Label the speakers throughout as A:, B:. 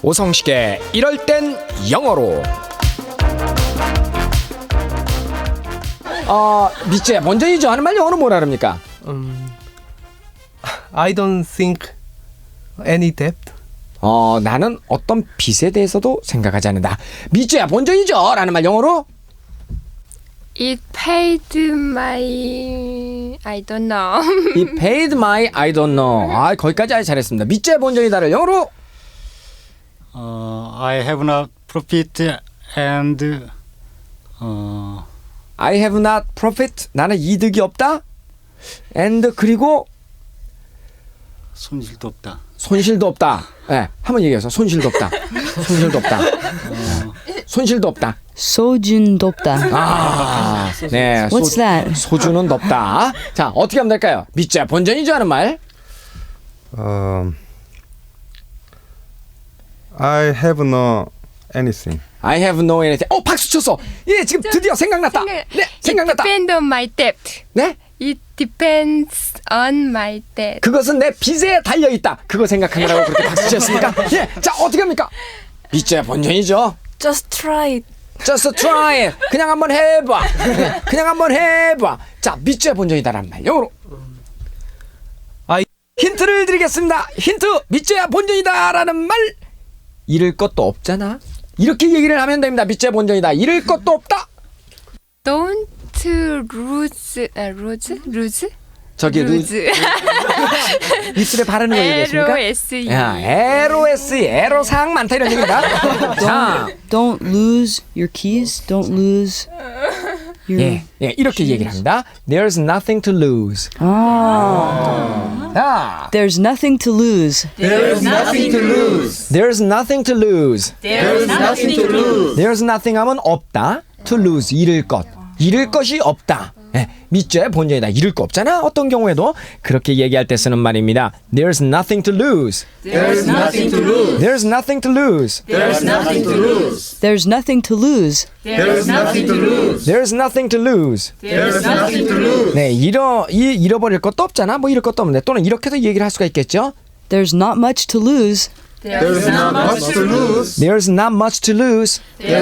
A: 오성식의 이럴 땐 영어로. 미쯔야, 먼저이죠 하는 말 영어로 뭐라 그럽니까?
B: I don't think any debt.
A: 나는 어떤 빚에 대해서도 생각하지 않는다. 미쯔야, 먼저이죠 라는 말 영어로?
C: It paid my I don't know.
A: It paid my I don't know. 거기까지 아주 잘했습니다. 미쯔야, 본전이다를 영어로?
D: I have not profit and
A: I have not profit. 나는 이득이 없다. And 그리고
D: 손실도 없다.
A: 손실도 없다. 네, 한번 얘기해서 손실도 없다. 손실도 없다. 손실도 없다.
E: 소준 높다.
A: 네.
E: What's that?
A: 소주는 높다. 자, 어떻게 하면 될까요? 미쯔야, 본전이죠 하는 말.
F: I have no anything.
A: I have no anything. 박수 쳤어. 예, 지금 드디어 생각났다. 네, 생각났다.
C: It depends on my debt.
A: 네?
C: It depends on my debt.
A: 그것은 내 빚에 달려 있다. 그거 생각하느라고 그렇게 박수 쳤습니까? 예, 자, 어떻게 합니까? 미쯔야, 본전이죠.
G: Just try it.
A: Just try it. 그냥 한번 해봐. 그냥 한번 해봐. 자, 미쯔야, 본전이다라는 말 영어로. 힌트를 드리겠습니다. 힌트. 미쯔야, 본전이다라는 말. 잃을 것도 없잖아. 이렇게 얘기를 하면 됩니다. 미쯔야, 본전이다. 잃을 것도 없다.
C: Don't lose.
A: 저기
C: lose.
A: 입술에 바르는 거 얘기했습니까?
C: LOSE.
A: LOSE. 애로사항 많다 이런 얘기입니다. 자,
E: Don't lose your keys. Don't lose your.
A: 이렇게 얘기를 합니다. There's nothing to lose. 자,
E: There's nothing to lose.
A: There's nothing to lose. There's nothing 하면 없다. To lose, 잃을 것. 잃을 것이 없다. 미쯔야, 본전이다. 잃을 거 없잖아. 어떤 경우에도 그렇게 얘기할 때 쓰는 말입니다. There's nothing to lose.
E: There's nothing to lose.
A: There's nothing to lose.
E: There's nothing to lose.
A: There's nothing to lose. 네, 잃어버릴 것도 없잖아. 뭐 잃을 것도 없는데 또는 이렇게도 얘기를 할 수가 있겠죠.
E: There's not much to lose.
F: There's not much to lose.
A: There's not much to lose.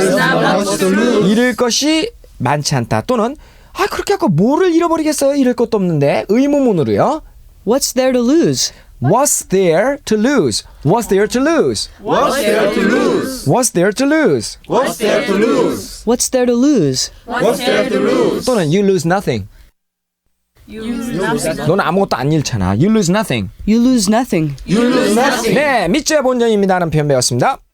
A: 잃을 것이 많지 않다. 또는 그렇게 하고 뭐를 잃어버리겠어요? 잃을 것도 없는데. 의문문으로요.
E: What's there to lose?
A: What's there to lose? What's there to lose?
F: What's there to lose?
A: What's there to lose?
F: What's there to lose?
E: What's there to lose?
F: What's there to lose?
A: 또는 you lose nothing. 너는 아무것도 안 잃잖아. You lose nothing.
E: You lose nothing.
F: You lose nothing.
A: 네, 미쯔야, 본전입니다 하는 표현 배웠습니다.